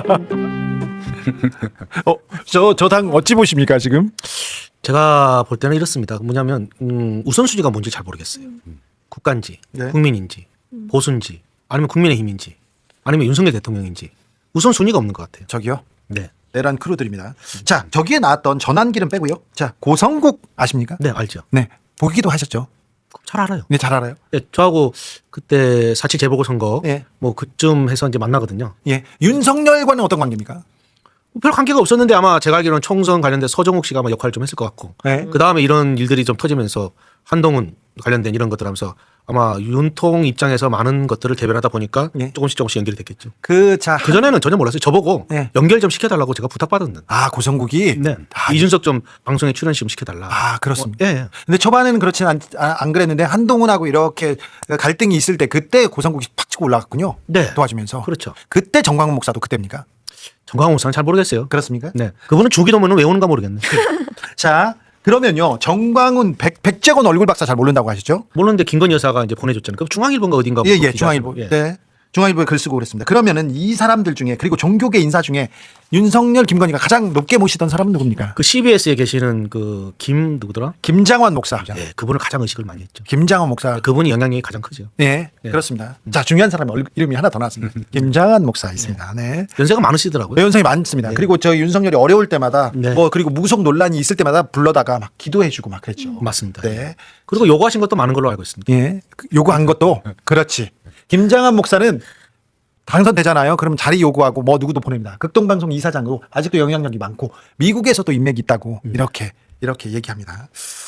Speaker 2: 어, 저, 저 당 어찌 보십니까, 지금?
Speaker 3: 제가 볼 때는 이렇습니다. 뭐냐면 음, 우선순위가 뭔지 잘 모르겠어요. 국가인지
Speaker 2: 네.
Speaker 3: 국민인지 보수인지 아니면 국민의힘인지 아니면 윤석열 대통령인지 우선 순위가 없는 것 같아요.
Speaker 2: 저기요.
Speaker 3: 네,
Speaker 2: 내란 크루들입니다. 자, 저기에 나왔던 전환기는 빼고요. 자, 고성국 아십니까?
Speaker 3: 네 알죠.
Speaker 2: 네. 보기도 하셨죠?
Speaker 3: 잘 알아요.
Speaker 2: 네, 잘 알아요.
Speaker 3: 네, 저하고 그때 사칠 재보궐 선거
Speaker 2: 예.
Speaker 3: 뭐 그쯤 해서 이제 만나거든요.
Speaker 2: 예. 윤석열과는 어떤 관계입니까?
Speaker 3: 별 관계가 없었는데 아마 제가 알기로는 총선 관련된 서정욱 씨가 아마 역할을 좀 했을 것 같고
Speaker 2: 네.
Speaker 3: 그 다음에 이런 일들이 좀 터지면서 한동훈 관련된 이런 것들 하면서 아마 윤통 입장에서 많은 것들을 대변하다 보니까
Speaker 2: 예.
Speaker 3: 조금씩 조금씩 연결이 됐겠죠.
Speaker 2: 그, 자.
Speaker 3: 그 전에는 전혀 몰랐어요. 저보고
Speaker 2: 네.
Speaker 3: 연결 좀 시켜달라고 제가 부탁받았는데.
Speaker 2: 아, 고성국이?
Speaker 3: 네.
Speaker 2: 아,
Speaker 3: 이준석 좀 방송에 출연 좀 시켜달라.
Speaker 2: 아, 그렇습니다.
Speaker 3: 어, 예, 예.
Speaker 2: 근데 초반에는 그렇진 않, 아, 안 그랬는데 한동훈하고 이렇게 갈등이 있을 때 그때 고성국이 팍 치고 올라갔군요.
Speaker 3: 네.
Speaker 2: 도와주면서.
Speaker 3: 그렇죠.
Speaker 2: 그때 정광훈 목사도 그때입니까?
Speaker 3: 정광훈 목사는 잘 모르겠어요.
Speaker 2: 그렇습니까?
Speaker 3: 네. 그분은 주기도문은 왜 오는가 모르겠네.
Speaker 2: 자, 그러면요. 정광훈 백, 백재건 얼굴 박사 잘 모른다고 하시죠?
Speaker 3: 모르는데 김건희 여사가 이제 보내줬잖아요. 그 중앙일보인가 어딘가.
Speaker 2: 예, 예.
Speaker 3: 기자죠.
Speaker 2: 중앙일보.
Speaker 3: 예.
Speaker 2: 네. 중앙일보에 글 쓰고 그랬습니다. 그러면은 이 사람들 중에 그리고 종교계 인사 중에 윤석열, 김건희가 가장 높게 모시던 사람은 누굽니까?
Speaker 3: 그 씨비에스에 계시는 그 김 누구더라?
Speaker 2: 김장환 목사.
Speaker 3: 예, 그분을 가장 의식을 많이 했죠.
Speaker 2: 김장환 목사.
Speaker 3: 그분이 영향력이 가장 크죠.
Speaker 2: 네,
Speaker 3: 예.
Speaker 2: 그렇습니다. 자, 중요한 사람 얼굴 이름이 하나 더 나왔습니다. 김장환 목사 있습니다. 네.
Speaker 3: 연세가 많으시더라고요.
Speaker 2: 연상이 많습니다. 그리고 저 윤석열이 어려울 때마다
Speaker 3: 네.
Speaker 2: 뭐 그리고 무속 논란이 있을 때마다 불러다가 막 기도해주고 막 그랬죠.
Speaker 3: 맞습니다.
Speaker 2: 네,
Speaker 3: 그리고 요구하신 것도 많은 걸로 알고 있습니다.
Speaker 2: 예, 그 요구한 것도 그렇지. 김장한 목사는 당선되잖아요. 그러면 자리 요구하고 뭐 누구도 보냅니다. 극동방송 이사장으로 아직도 영향력이 많고 미국에서도 인맥이 있다고 이렇게 이렇게 얘기합니다.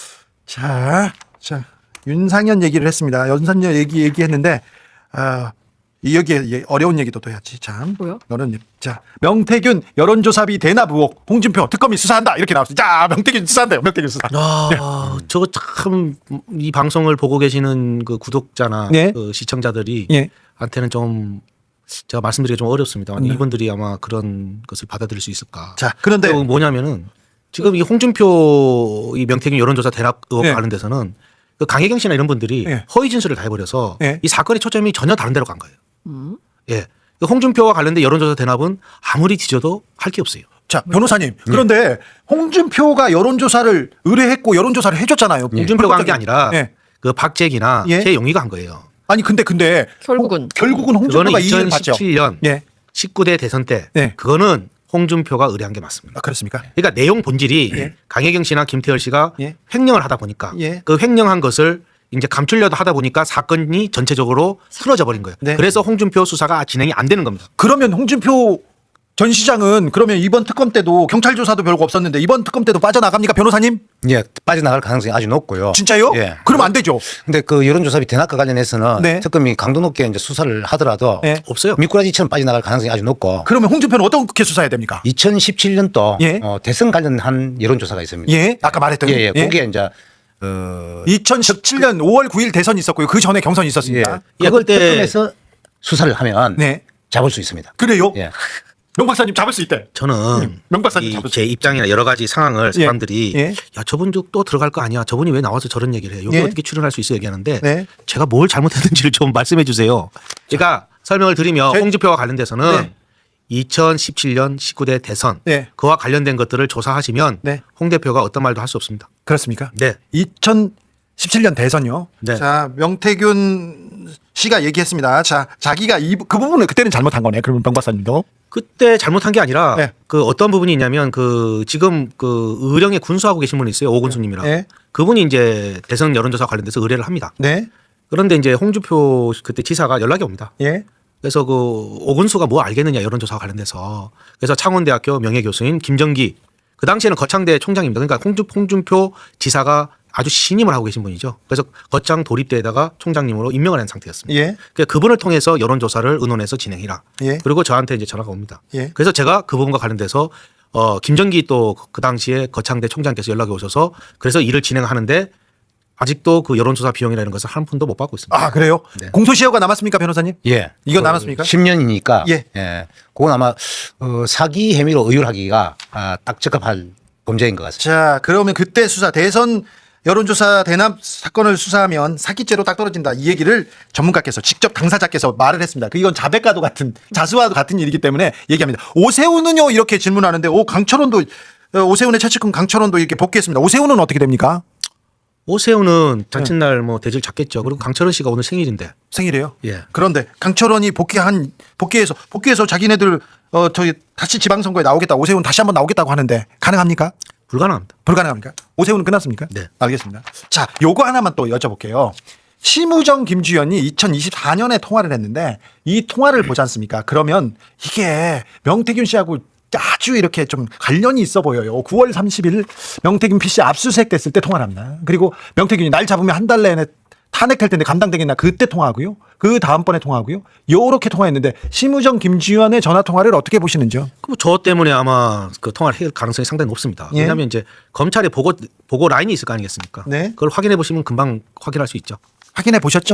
Speaker 2: 자, 자 윤상현 얘기를 했습니다. 윤상현 얘기 얘기했는데 아. 이 여기에 어려운 얘기도 또 해야지 참.
Speaker 1: 뭐요?
Speaker 2: 너는 자 명태균 여론조사비 대납 의혹 홍준표 특검이 수사한다 이렇게 나왔습니다. 자 명태균 수사한대요. 명태균 수사.
Speaker 3: 아, 저거 참 이 방송을 보고 계시는 그 구독자나
Speaker 2: 네.
Speaker 3: 그 시청자들이
Speaker 2: 예.
Speaker 3: 한테는 좀 제가 말씀드리기 좀 어렵습니다.
Speaker 2: 네.
Speaker 3: 이분들이 아마 그런 것을 받아들일 수 있을까?
Speaker 2: 자 그런데
Speaker 3: 또 뭐냐면은 지금 이 홍준표 이 명태균 여론조사 대납 의혹
Speaker 2: 예.
Speaker 3: 관련돼서는 그 강혜경 씨나 이런 분들이
Speaker 2: 예.
Speaker 3: 허위 진술을 다 해버려서
Speaker 2: 예.
Speaker 3: 이 사건의 초점이 전혀 다른 데로 간 거예요.
Speaker 1: 음.
Speaker 3: 예. 그 홍준표와 관련된 여론조사 대납은 아무리 뒤져도 할 게 없어요.
Speaker 2: 자 변호사님 그런데 홍준표가 여론조사를 의뢰했고 여론조사를 해줬잖아요.
Speaker 3: 홍준표가 한 게 아니라
Speaker 2: 예.
Speaker 3: 그 박재기나
Speaker 2: 예.
Speaker 3: 최용희가 한 거예요.
Speaker 2: 아니 근데 근데
Speaker 1: 결국은.
Speaker 2: 홍- 결국은 홍준표가
Speaker 3: 그거는
Speaker 2: 이익을 봤죠.
Speaker 3: 이천십칠 년
Speaker 2: 예.
Speaker 3: 십구 대 대선 때
Speaker 2: 예.
Speaker 3: 그거는 홍준표가 의뢰한 게 맞습니다.
Speaker 2: 아, 그렇습니까?
Speaker 3: 그러니까 내용 본질이
Speaker 2: 예.
Speaker 3: 강혜경 씨나 김태열 씨가
Speaker 2: 예.
Speaker 3: 횡령을 하다 보니까
Speaker 2: 예.
Speaker 3: 그 횡령한 것을 이제 감추려다 하다 보니까 사건이 전체적으로 틀어져 버린 거예요.
Speaker 2: 네.
Speaker 3: 그래서 홍준표 수사가 진행이 안 되는 겁니다.
Speaker 2: 그러면 홍준표 전 시장은 그러면 이번 특검 때도 경찰 조사도 별거 없었는데 이번 특검 때도 빠져나갑니까 변호사님?
Speaker 4: 예, 빠져나갈 가능성이 아주 높고요.
Speaker 2: 진짜요?
Speaker 4: 예.
Speaker 2: 그럼 안 되죠.
Speaker 4: 근데 그 여론조사비 대납과 관련해서는
Speaker 2: 네.
Speaker 4: 특검이 강도 높게 이제 수사를 하더라도
Speaker 2: 예.
Speaker 3: 없어요.
Speaker 4: 미꾸라지처럼 빠져나갈 가능성이 아주 높고
Speaker 2: 그러면 홍준표는 어떻게 수사해야 됩니까?
Speaker 4: 이천십칠 년도
Speaker 2: 예.
Speaker 4: 어, 대선 관련한 여론조사가 있습니다.
Speaker 2: 예, 아까 말했던
Speaker 4: 예, 예. 거기에 이제 어,
Speaker 2: 이천십칠 년 오월 구일 대선이 있었고요. 그 전에 경선이
Speaker 4: 예.
Speaker 2: 있었습니다.
Speaker 4: 그걸
Speaker 3: 그때-
Speaker 4: 특검에서 수사를 하면
Speaker 2: 네.
Speaker 4: 잡을 수 있습니다.
Speaker 2: 그래요?
Speaker 4: 예.
Speaker 2: 명 박사님 잡을 수 있대.
Speaker 3: 저는
Speaker 2: 명 박사님
Speaker 3: 이
Speaker 2: 잡을 수
Speaker 3: 제 입장이나 여러 가지 상황을
Speaker 2: 예.
Speaker 3: 사람들이
Speaker 2: 예.
Speaker 3: 야 저분 또 들어갈 거 아니야. 저분이 왜 나와서 저런 얘기를 해. 여기
Speaker 2: 예.
Speaker 3: 어떻게 출연할 수 있어 얘기하는데
Speaker 2: 네.
Speaker 3: 제가 뭘 잘못했는지를 좀 말씀해 주세요. 제가 설명을 드리면
Speaker 2: 제-
Speaker 3: 홍준표와 관련돼서는
Speaker 2: 네.
Speaker 3: 이천십칠 년 십구 대 대선
Speaker 2: 네.
Speaker 3: 그와 관련된 것들을 조사하시면
Speaker 2: 네.
Speaker 3: 홍 대표가 어떤 말도 할 수 없습니다.
Speaker 2: 그렇습니까?
Speaker 3: 네.
Speaker 2: 이천십칠 년 대선요.
Speaker 3: 네.
Speaker 2: 자, 명태균 씨가 얘기했습니다. 자, 자기가 이, 그 부분을 그때는 잘못한 거네. 그러면 명 박사님도.
Speaker 3: 그때 잘못한 게 아니라
Speaker 2: 네.
Speaker 3: 그 어떤 부분이 있냐면 그 지금 그 의령에 군수하고 계신 분이 있어요. 오군수님이라고.
Speaker 2: 네.
Speaker 3: 그분이 이제 대선 여론조사 관련돼서 의뢰를 합니다.
Speaker 2: 네.
Speaker 3: 그런데 이제 홍준표 그때 지사가 연락이 옵니다.
Speaker 2: 예.
Speaker 3: 그래서 그 오군수가 뭐 알겠느냐 여론조사와 관련돼서 그래서 창원대학교 명예교수인 김정기 그 당시에는 거창대 총장입니다. 그러니까 홍준, 홍준표 지사가 아주 신임을 하고 계신 분이죠. 그래서 거창 도립대에다가 총장님으로 임명을 한 상태였습니다.
Speaker 2: 예.
Speaker 3: 그러니까 그분을 통해서 여론조사를 의논해서 진행해라.
Speaker 2: 예.
Speaker 3: 그리고 저한테 이제 전화가 옵니다.
Speaker 2: 예.
Speaker 3: 그래서 제가 그 부분과 관련돼서 어 김정기 또 그 당시에 거창대 총장께서 연락이 오셔서 그래서 일을 진행하는데 아직도 그 여론조사 비용이라는 것을 한 푼도 못 받고 있습니다.
Speaker 2: 아, 그래요?
Speaker 3: 네.
Speaker 2: 공소시효가 남았습니까, 변호사님?
Speaker 4: 예.
Speaker 2: 이거 남았습니까?
Speaker 4: 십 년이니까
Speaker 2: 예.
Speaker 4: 예. 그건 아마 어, 사기 혐의로 의율하기가 아, 딱 적합할 범죄인 것 같습니다.
Speaker 2: 자, 그러면 그때 수사 대선 여론조사 대납 사건을 수사하면 사기죄로 딱 떨어진다. 이 얘기를 전문가께서 직접 당사자께서 말을 했습니다. 그 이건 자백과도 같은 자수와도 같은 일이기 때문에 얘기합니다. 오세훈은요 이렇게 질문하는데 오 강철원도 어, 오세훈의 최측근 강철원도 이렇게 복귀했습니다. 오세훈은 어떻게 됩니까?
Speaker 3: 오세훈은 자칫날 뭐 대질 잡겠죠. 그리고 강철원 씨가 오늘 생일인데.
Speaker 2: 생일이에요.
Speaker 3: 예.
Speaker 2: 그런데 강철원이 복귀한 복귀해서 복귀해서 자기네들 어 저기 다시 지방선거에 나오겠다. 오세훈 다시 한번 나오겠다고 하는데 가능합니까?
Speaker 3: 불가능합니다.
Speaker 2: 불가능합니까? 오세훈은 끝났습니까?
Speaker 3: 네.
Speaker 2: 알겠습니다. 자, 요거 하나만 또 여쭤볼게요. 심우정 김주현이 이천이십사 년에 통화를 했는데 이 통화를 보지 않습니까? 그러면 이게 명태균 씨하고 아주 이렇게 좀 관련이 있어 보여요. 구월 삼십일 명태균 피씨 압수수색 됐을 때 통화를 합니다. 그리고 명태균이 날 잡으면 한 달 내내 탄핵할 텐데 감당되겠나 그때 통화하고요. 그 다음번에 통화하고요. 요렇게 통화했는데 심우정 김주현의 전화 통화를 어떻게 보시는지요?
Speaker 3: 그저 때문에 아마 그 통화를 할 가능성이 상당히 높습니다.
Speaker 2: 예.
Speaker 3: 왜냐하면 이제 검찰의 보고 보고 라인이 있을 거 아니겠습니까?
Speaker 2: 네.
Speaker 3: 그걸 확인해 보시면 금방 확인할 수 있죠.
Speaker 2: 확인해 보셨죠?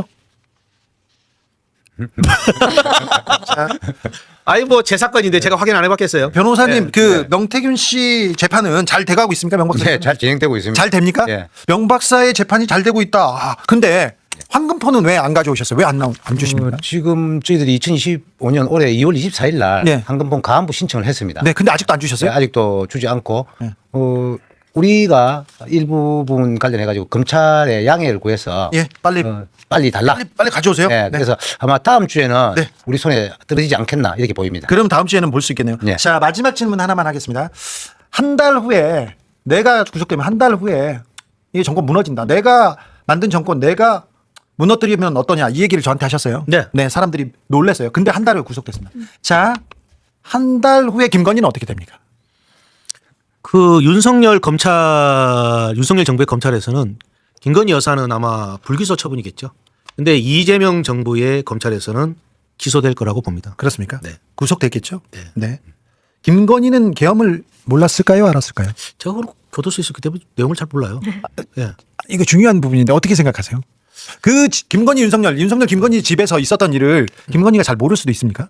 Speaker 3: 아이 뭐 제 사건인데 제가 확인 안 해봤겠어요.
Speaker 2: 변호사님
Speaker 4: 네,
Speaker 2: 그
Speaker 4: 네.
Speaker 2: 명태균 씨 재판은 잘 돼가고 있습니까? 명 박사?
Speaker 4: 네, 잘 진행되고 있습니다.
Speaker 2: 잘 됩니까?
Speaker 4: 예.
Speaker 2: 명 박사의 재판이 잘 되고 있다. 아, 근데 황금폰은 왜 안 가져오셨어요? 왜 안 나온 안 주십니까?
Speaker 4: 어, 지금 저희들이 이천이십오 년 올해 이월 이십사일 날
Speaker 2: 네.
Speaker 4: 황금본 가안부 신청을 했습니다.
Speaker 2: 네, 근데 아직도 안 주셨어요?
Speaker 4: 네, 아직도 주지 않고
Speaker 2: 네.
Speaker 4: 어, 우리가 일부분 관련해 가지고 검찰의 양해를 구해서
Speaker 2: 예, 빨리
Speaker 4: 어, 빨리 달라.
Speaker 2: 빨리 빨리 가져오세요.
Speaker 4: 네,
Speaker 2: 네.
Speaker 4: 그래서 아마 다음 주에는
Speaker 2: 네.
Speaker 4: 우리 손에 떨어지지 않겠나 이렇게 보입니다.
Speaker 2: 그럼 다음 주에는 볼 수 있겠네요.
Speaker 4: 네.
Speaker 2: 자, 마지막 질문 하나만 하겠습니다. 한 달 후에 내가 구속되면 한 달 후에 이 정권 무너진다. 내가 만든 정권 내가 무너뜨리면 어떠냐 이 얘기를 저한테 하셨어요.
Speaker 3: 네.
Speaker 2: 사람들이 놀랐어요. 근데 한 달 후에 구속됐습니다. 자, 한 달 후에 김건희는 어떻게 됩니까?
Speaker 3: 그 윤석열 검찰 윤석열 정부의 검찰에서는 김건희 여사는 아마 불기소 처분이겠죠. 근데 이재명 정부의 검찰에서는 기소될 거라고 봅니다.
Speaker 2: 그렇습니까?
Speaker 3: 네.
Speaker 2: 구속됐겠죠?
Speaker 3: 네.
Speaker 2: 네. 김건희는 계엄을 몰랐을까요? 알았을까요?
Speaker 3: 제가 그걸 교도소에 있었기 때문에 내용을 잘 몰라요. 예.
Speaker 2: 이거 중요한 부분인데 어떻게 생각하세요? 그 지- 김건희 윤석열 윤석열 김건희 집에서 있었던 일을 김건희가 잘 모를 수도 있습니까?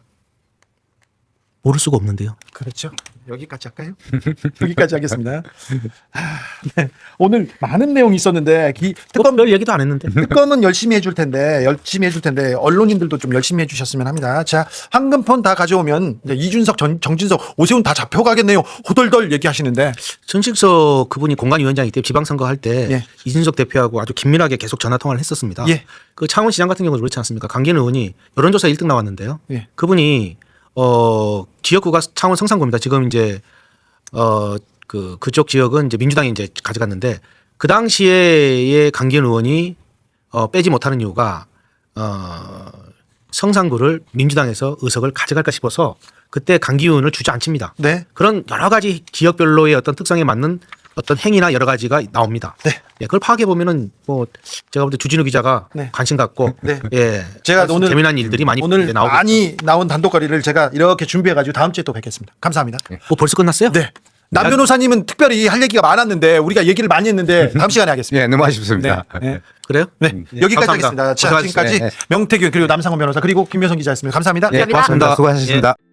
Speaker 3: 모를 수가 없는데요.
Speaker 2: 그렇죠. 여기까지 할까요? 여기까지 하겠습니다. 아, 네. 오늘 많은 내용이 있었는데 기,
Speaker 3: 특검
Speaker 2: 특검
Speaker 3: 별 얘기도 안 했는데.
Speaker 2: 특검은 열심히 해줄 텐데 열심히 해줄 텐데 언론인들도 좀 열심히 해주셨으면 합니다. 자, 황금폰 다 가져오면 이제 이준석, 전, 정진석, 오세훈 다 잡혀가겠네요. 호덜덜 얘기하시는데
Speaker 3: 전식석 그분이 공관위원장이기 때문에 지방선거 할 때
Speaker 2: 예.
Speaker 3: 이준석 대표하고 아주 긴밀하게 계속 전화 통화를 했었습니다.
Speaker 2: 예.
Speaker 3: 그 창원시장 같은 경우도 그렇지 않습니까? 강기현 의원이 여론조사 일 등 나왔는데요.
Speaker 2: 예.
Speaker 3: 그분이 어 지역구가 창원 성산구입니다. 지금 이제 어 그 그쪽 지역은 이제 민주당이 이제 가져갔는데 그 당시에의 강기현 의원이 어 빼지 못하는 이유가 어 성산구를 민주당에서 의석을 가져갈까 싶어서 그때 강기현 의원을 주저앉힙니다.
Speaker 2: 네.
Speaker 3: 그런 여러 가지 지역별로의 어떤 특성에 맞는 어떤 행위나 여러 가지가 나옵니다.
Speaker 2: 네.
Speaker 3: 예, 그걸 파악해 보면은 뭐 제가 볼 때 주진우 기자가
Speaker 2: 네.
Speaker 3: 관심 갖고
Speaker 2: 네.
Speaker 3: 예,
Speaker 2: 제가
Speaker 3: 아주
Speaker 2: 오늘
Speaker 3: 재미난 일들이 많이
Speaker 2: 오늘
Speaker 3: 나오고
Speaker 2: 많이 나온 단독거리를 제가 이렇게 준비해가지고 다음 주에 또 뵙겠습니다. 감사합니다.
Speaker 3: 뭐 벌써 끝났어요?
Speaker 2: 네. 남 변호사님은 특별히 할 얘기가 많았는데 우리가 얘기를 많이 했는데 다음 시간에 하겠습니다.
Speaker 4: 예, 너무 아쉽습니다.
Speaker 2: 네. 네.
Speaker 3: 그래요?
Speaker 2: 네. 여기까지
Speaker 3: 감사합니다.
Speaker 2: 하겠습니다. 자,
Speaker 3: 고생하셨습니다.
Speaker 2: 지금까지
Speaker 4: 네.
Speaker 2: 명태균 그리고 남상원 변호사 그리고 김효성 기자였습니다. 감사합니다.
Speaker 4: 예,
Speaker 1: 감사합니다.
Speaker 4: 고맙습니다. 수고하셨습니다.